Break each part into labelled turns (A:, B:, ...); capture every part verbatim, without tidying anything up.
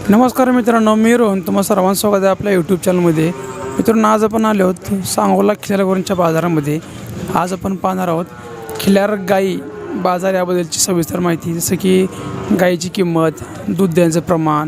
A: नमस्कार मित्रांनो, मी रोहन तुम्हा सर्वांचं स्वागत आहे आपल्या यूट्यूब चॅनलमध्ये. मित्रांनो, आज आपण आलो आहोत सांगोला खिलारगुरांच्या बाजारामध्ये. आज आपण पाहणार आहोत खिलार गाई बाजार याबद्दलची सविस्तर माहिती, जसं की गाईची किंमत, दूध द्यायचं प्रमाण,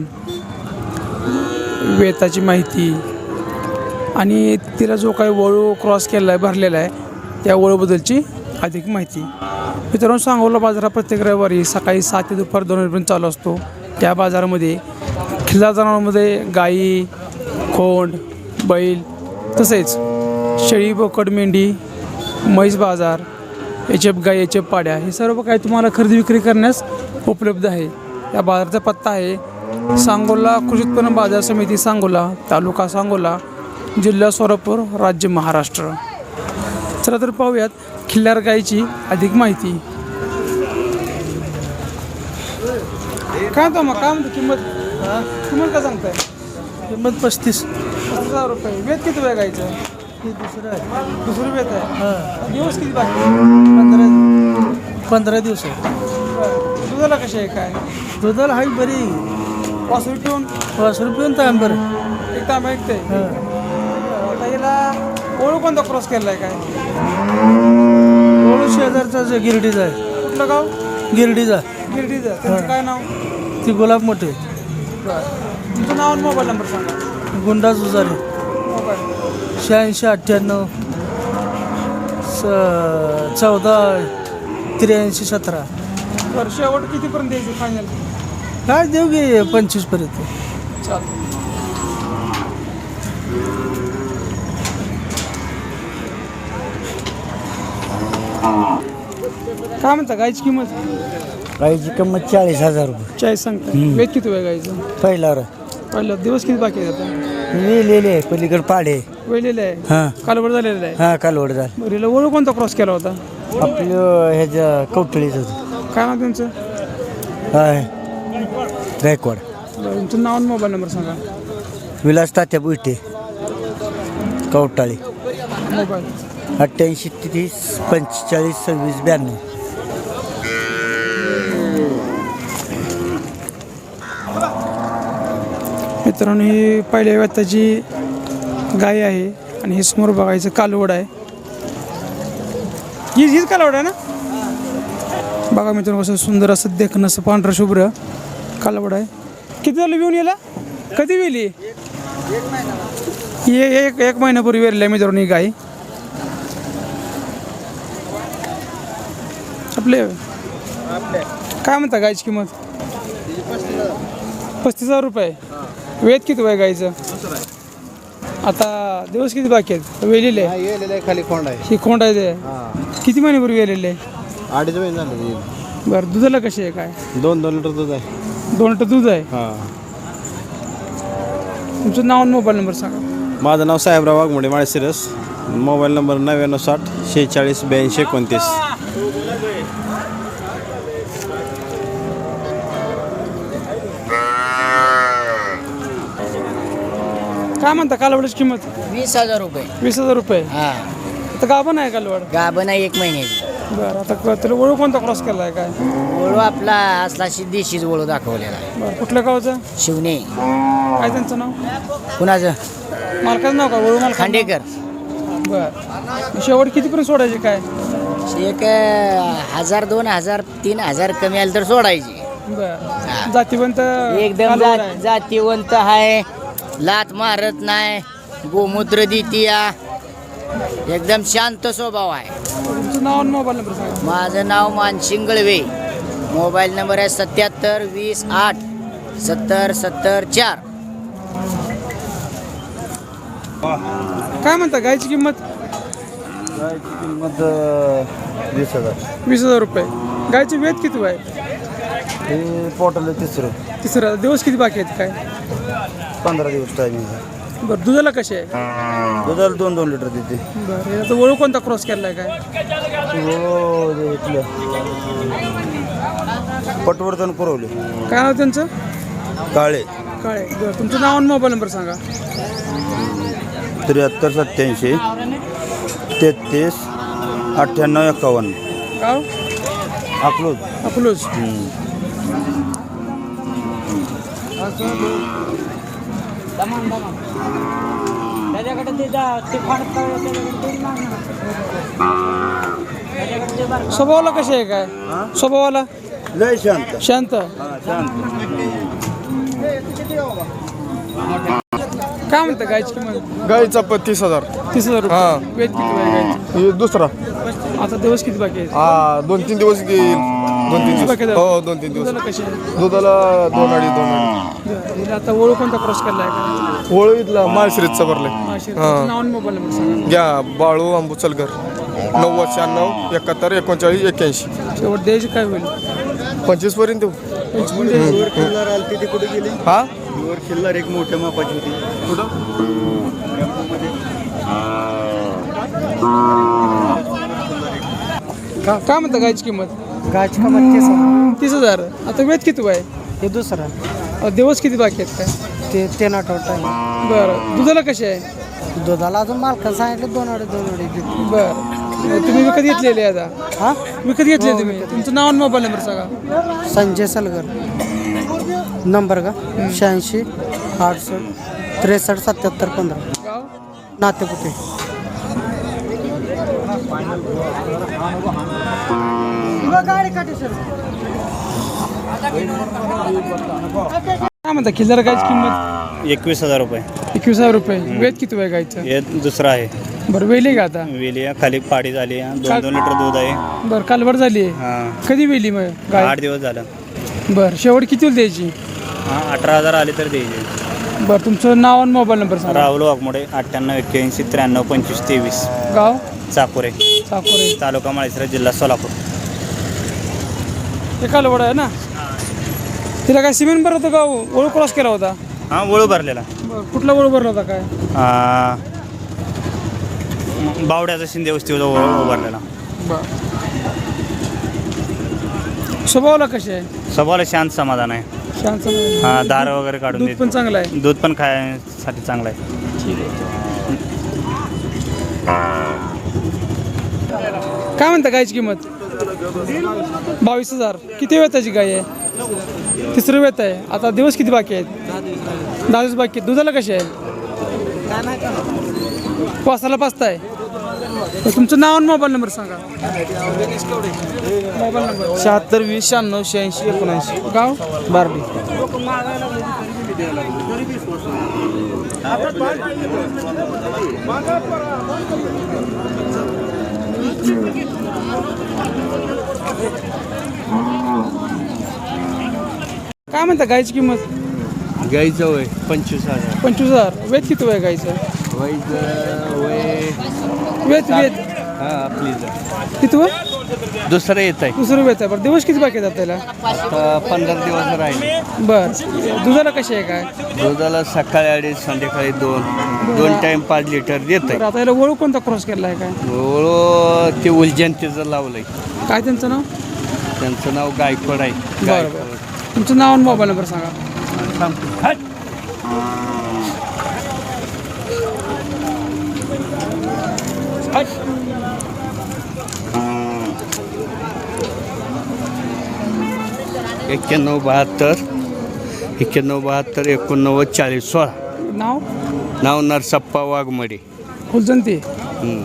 A: वेताची माहिती आणि तिला जो काही वळू क्रॉस केला आहे भरलेला आहे त्या वळूबद्दलची अधिक माहिती. मित्रांनो, सांगोला बाजार हा प्रत्येक रविवारी सकाळी सात ते दुपार दोन वाजेपर्यंत चालू असतो. त्या बाजारामध्ये खिल्लार जनावरांमध्ये गाई, खोंड, बैल, तसेच शेळी, बोकड, मेंढी, म्हैस बाजार, एच एफ गाई, एच एफ पाड्या, हे सर्व काही तुम्हाला खरेदी विक्री करण्यास उपलब्ध आहे. या बाजाराचा पत्ता आहे सांगोला कृषी उत्पन्न बाजार समिती, सांगोला, तालुका सांगोला, जिल्हा सोलापूर, राज्य महाराष्ट्र. चला तर पाहूयात खिल्लार गाईची अधिक माहिती. काय तो मग काय म्हणतो किंमत? किंमत काय सांगताय?
B: किंमत पस्तीस
A: पस्तीस हजार रुपये. वेत किती वेळ गायचं?
B: हे दुसरं आहे.
A: दुसरं वेत आहे.
B: हां
A: दिवस किती बाकी?
B: पंधरा पंधरा दिवस आहे.
A: बरं. दुधाला कशी आहे काय?
B: दुधाला हाई बरी
A: पाच रुपये पिऊन
B: पाच रुपये तांब बरं.
A: एक तांबा ऐकते.
B: हां
A: आता याला ओळख कोणता क्रॉस केला आहे काय?
B: ओळू शेजारचा जो गिरडीचा आहे.
A: कुठलं गाव?
B: गिरडीचा
A: गिरडीचं. त्यांचं काय नाव?
B: ती गुलाब मोठे.
A: बरं. तुमचं नाव आणि मोबाईल नंबर सांगा.
B: गुंडा जुजारे
A: मोबाईल
B: शहाऐंशी अठ्ठ्याण्णव स चौदा त्र्याऐंशी सतरा.
A: बरं. शेवट कितीपर्यंत द्यायची फायनल?
B: काय देऊ गे पंचवीसपर्यंत.
A: चालेल. काय म्हणता गायची किंमत?
B: गाईची किंमत चाळीस हजार रुपये.
A: चाळीस सांगता. वेत किती वेळ गायचं?
B: पहिला
A: पहिलं दिवस किती बाकी आहे आता?
B: लिहिलेले आहे पलीकडे पाडे.
A: वेळलेलं आहे.
B: हां
A: कालवड झालेलं आहे.
B: हां कालवड झालं.
A: बरं. हिला ओळख कोणता क्रॉस केला होता?
B: आपलं ह्याच्या कवटळीचं
A: काय नाव त्यांचं?
B: हाय गायकवाड.
A: बरं. तुमचं नाव आणि मोबाईल नंबर सांगा.
B: विलास तात्या बुईटे कवटाळी.
A: मोबाईल
B: अठ्ठ्याऐंशी तीस पंचेचाळीस सव्वीस ब्याण्णव.
A: मित्रांनो, ही पहिल्या व्यताची गाय आहे आणि हे समोर बघायचं कालवड आहे. हीच हीच कालवड आहे ना? बघा मित्रांनो, कसं सुंदर असं देखणं, असं पांढरं शुभ्र कालवड आहे. किती झालं येऊन याला? कधी वेली? ये एक एक महिन्यापूर्वी वेरली आहे मित्रांनो ही गाय. आपले काय म्हणता गायची किंमत? पस्तीस हजार रुपये. वेत किती वय गायचं? आता दिवस किती बाकी आहेत? वेलेले आहे.
B: खाली खोंड आहे.
A: ही खोंड आहे ते. किती महिन्यापूर्वी वेलेले आहे?
B: अडीच महिने झाले.
A: बरं. दुधाला कशी आहे काय?
B: दोन दोन लिटर दूध आहे.
A: दोन लिटर दूध आहे.
B: हां.
A: तुमचं नाव आणि मोबाईल नंबर सांगा.
C: माझं नाव साहेबराव वाघमोडे माळशिरस. मोबाईल नंबर नव्याण्णव साठ शेहेचाळीस ब्याऐंशी एकोणतीस.
A: काय म्हणता कालवडाची किंमत?
D: वीस हजार रुपये.
A: वीस हजार रुपये.
D: हा
A: आता गाभण आहे कालवड?
D: गाभण आहे एक महिन्याची.
A: बरं. आता क- त्याला ओळख कोणता क्रॉस केला आहे काय?
D: वळू आपला असला देशीच वळू दाखवलेला आहे.
A: बरं. कुठल्या गावचं?
D: शिवणे.
A: काय त्यांचं नाव?
D: कुणाचं?
A: मालकाचं नाव का? वळू मालक
D: खांडेकर.
A: बरं. शेवट कितीपर्यंत सोडायचे काय?
D: एक अं, हजार दोन हजार तीन हजार कमी आलं तर सोडायची.
A: बरं. जातीवंत
D: एकदम
A: कालवड
D: जात
A: आहे.
D: जातीवंत आहे. लात मारत नाही. गोमूत्र देतीया. एकदम शांत स्वभाव आहे.
A: तुमचं नाव आणि मोबाईल नंबर सांगा.
D: माझं नाव मानसिंग गळवे. मोबाईल नंबर आहे सत्याहत्तर वीस आठ सत्तर सत्तर चार.
A: काय म्हणता गायची किंमत?
B: गायची किंमत वीस हजार.
A: वीस हजार रुपये. गायची वेत किती आहे?
B: हे पोटाला तिसरं.
A: तिसरा. दिवस किती बाकी आहेत काय?
B: पंधरा दिवस टायमिंग आहे.
A: बरं. दुधाला कशी आहे?
B: दुधाला दोन दोन लिटर देते.
A: बरं. आता ओळख कोणता क्रॉस केला आहे काय?
B: हो ते इथलं पटवर्धन पुरवले.
A: काय नाव त्यांचं?
B: काळे.
A: काळे. बरं. तुमचं नाव आणि मोबाईल नंबर सांगा.
B: त्र्याहत्तर सत्याऐंशी तेहतीस अठ्ठ्याण्णव एकावन्न.
A: गाव?
B: अकलूज.
A: अकलूज. स्वभावाला कसे आहे काय स्वभावाला
B: लय शांत
A: शांत
B: हा शांत
A: काय म्हणतं गायची किंमत
E: गाईचा प तीस हजार
A: तीस हजार
E: हा.
A: रुपये वेद किती आहे गायची
E: हे दुसरा
A: आता दिवस किती बाकी आहेत
E: हा दोन तीन दिवस घेईल दोन तीन
A: बाकी
E: दिवस
A: आहेत?
E: हो दोन तीन दिवस
A: दुधाला कशी आहे
E: दुधाला दोन अडीच दोन अडीच
A: हिला आता ओळख कोणता क्रॉस केला आहे का
E: ओळू इथला माळशिरीजचा भरलाय
A: माशी
E: हा.
A: नाव आणि मोबाईल नंबर सांगा
E: घ्या बाळू अंबुचलकर नव्वद शहाण्णव एकाहत्तर एकोणचाळीस एक्क्याऐंशी
A: शेवट द्यायची काय होईल
E: पंचवीस पर्यंत देऊ
B: वर खिल्लार आलती ती कुठे गेली
E: हा
B: वर खिल्लार एक मोठ्या मापाची होती
E: कुठं
A: का काय म्हणता गायची किंमत
F: गायची किंमत तीस हजार.
A: तीस हजार आता वेद किती आहे
F: हे दुसरं
A: आता दिवस किती बाकी आहेत काय
F: ते तीन आठवडा आहे
A: बरं दुधाला कसे आहे
F: दुधाला अजून मालकाला सांगितलं दोन अडीच दोन अडीच
A: बरं तुम्ही विकत घेतलेले आता
F: हा
A: विकत घेतले तुम्ही तुमचं नाव आणि मोबाईल नंबर सांगा
F: संजय सलगर नंबर का शहाऐंशी आठसष्ट त्रेसष्ट सत्याहत्तर पंधरा
A: गाव
F: नाते कुठे
A: काय म्हणता खिल्लार गायची किंमत
G: एकवीस हजार रुपये
A: एकवीस हजार रुपये वेद किती आहे गायचं
G: हे दुसरं आहे
A: बरं वेली का आता
G: वेली आहे, खाली पाडी झाली आहे, दोन दोन लिटर दूध आहे
A: बरं कालवड झाली आहे
G: हां
A: कधी वेली मग गाय
G: आठ दिवस झालं
A: बरं शेवट किती द्यायची
G: हां अठरा हजार आले तर द्यायचे
A: बरं तुमचं नाव आणि मोबाईल नंबर सांगा
G: राहुल वाघमोडे अठ्ठ्याण्णव एक्क्याऐंशी त्र्याण्णव पंचवीस तेवीस
A: गाव
G: चाकोरे
A: साकोरे
G: तालुका माळशिरस जिल्हा सोलापूर
A: हे कालवड आहे ना तिला काय सिमेंट भरलं होतं का ओळख क्रॉस केला होता
G: हां वळू भरलेला
A: बरं कुठला ओळख भरला होता काय
G: आ, बावड्याचा शिंदे वस्तीवर वळू भरलेला
A: बरं स्वभावाला कशी आहे
G: स्वभावाला शांत समाधान आहे
A: शांत समाधान.
G: हां दार वगैरे काढून
A: दूध
G: देत
A: पण चांगलं आहे
G: दूध पण खायसाठी चांगलं आहे
A: काय म्हणता गायची किंमत बावीस हजार किती वेताची गाय आहे तिसरं वेत आहे आता दिवस किती बाकी आहेत दहा दिवस बाकी आहेत दुधाला कशी आहे वासाला पाचताय तुमचं नाव आणि मोबाईल नंबर सांगा मोबाईल नंबर
F: शहात्तर वीस शहाण्णव शहाऐंशी एकोणऐंशी
A: गाव
F: बारडी
A: काय म्हणता गायची किंमत
C: गाईचं वय पंचवीस हजार
A: पंचवीस हजार वेत किती वय गायचं
C: वाईचं वय
A: वेत वेत
C: हा आपली
A: किती वय
C: दुसरं येत आहे
A: दुसरं वेत आहे बरं दिवस किती बाकी आहेत त्याला
C: आता पंधरा दिवस राहिले
A: बरं दुधाला कशी आहे काय
C: दुधाला सकाळी अडीच संध्याकाळी दोन दोन टाइम पाच लिटर देत आहे
A: बरं आता याला ओळख कोणता क्रॉस केला आहे काय
C: ओळू ते उलजंतीचं लावलंय
A: काय त्यांचं नाव
C: त्यांचं नाव गायकवाड आहे
A: बरं
C: गायकवाड
A: बरं तुमचं नाव आणि मोबाईल नंबर सांगा
C: एक्क्याण्णव बहात्तर एक्क्याण्णव बहात्तर एकोणनव्वद चाळीस सोळा
A: नाव
C: नाव नरसप्पा वाघमडे
A: फुलजंती
C: हम्म.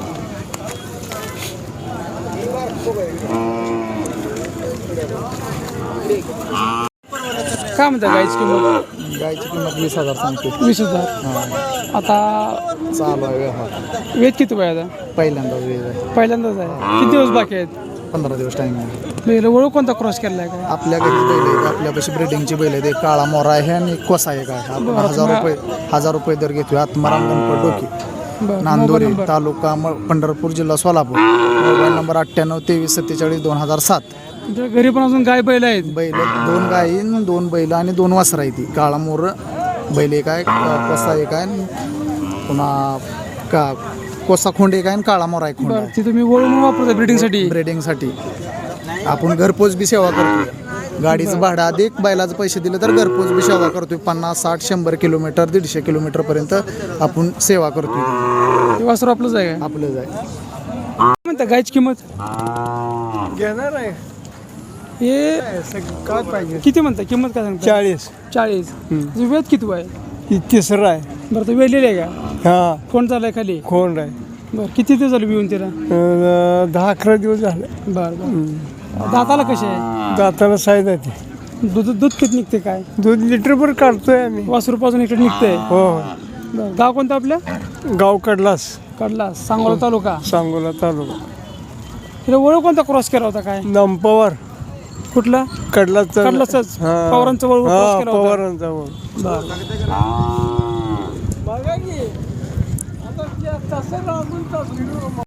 A: काय म्हणता गायची किंमत
E: गाईची किंमत वीस हजार सांगते
A: वीस हजार आता
E: चालू आहे व्यवहार
A: वेत किती वय आता
E: पहिल्यांदा वेळ आहे
A: पहिल्यांदाच आहे किती दिवस बाकी आहेत
E: पंधरा दिवस टाइम आहे
A: पहिलं ओळख कोणता क्रॉस केला आहे काय
E: आपल्या घरी बैल आहेत आपल्यापाशी ब्रिडिंगची बैल आहेत एक काळा मोरा आहे आणि एक कोसा आहे काय आपण
A: बरं,
E: हजार
A: तुम्हा-
E: रुपये हजार रुपये दर घेतोय आत्माराम गणपत डोकी
A: बरं
E: नांदोरी
A: मोबाईल नंबर
E: तालुका म- पंढरपूर जिल्हा सोलापूर मोबाईल नंबर अठ्ठ्याण्णव तेवीस सत्तेचाळीस दोन हजार सात
A: तुमच्या घरी पण अजून गाय बैल आहेत
E: बैल दोन गायी न दोन बैल आणि दोन वासरं आहे ती काळा मोर बैल एक आहे क- कोसा एक आहे आणि पुन्हा का कोसा खोंड एक आहे आणि काळा मोरा एक खोंड
A: बरं ती तुम्ही ओळख वापरता ब्रिडिंगसाठी
E: ब्रिडिंगसाठी आपण घरपोच बी सेवा करतोय गाडीचं भाडं अधिक बैलाचं पैसे दिले तर घरपोच बी सेवा करतोय पन्नास साठ शंभर किलोमीटर दीडशे किलोमीटर पर्यंत आपण सेवा करतोय
A: ते वासर आपलंच आहे काय
E: आपलं जाय
A: काय म्हणता गायची किंमत
E: घेणार आहे
A: हे
F: काय पाहिजे
A: किती म्हणता किंमत काय सांगता
F: चाळीस
A: चाळीस वेद किती आहे
F: ही तिसरं आहे
A: बरं तो वेलेले आहे का
F: हा
A: कोण चाललाय खाली
F: कोण आहे
A: बरं किती दिवस झालं बिवून तिला
F: अं, दहा अकरा दिवस झाले
A: बरं बरं दाताला कसे आहे
F: दाताला साईज आहे ते
A: दूध दूध किती निघते काय
F: दूध लिटरभर काढतोय आम्ही
A: वासरूपासून इकडे निघतंय
F: हो
A: बरं गाव कोणतं आपल्या
F: गाव कडलास
A: कडला सांगोला तालुका
F: सांगोला तालुका
A: तिला वळू कोणता क्रॉस केला होता काय
F: नंपावर
A: कुठला
F: कडलाच
A: कडलाचंच? पवारांचं वळू cross केला होता?
F: पवारांचा वळ
A: बरं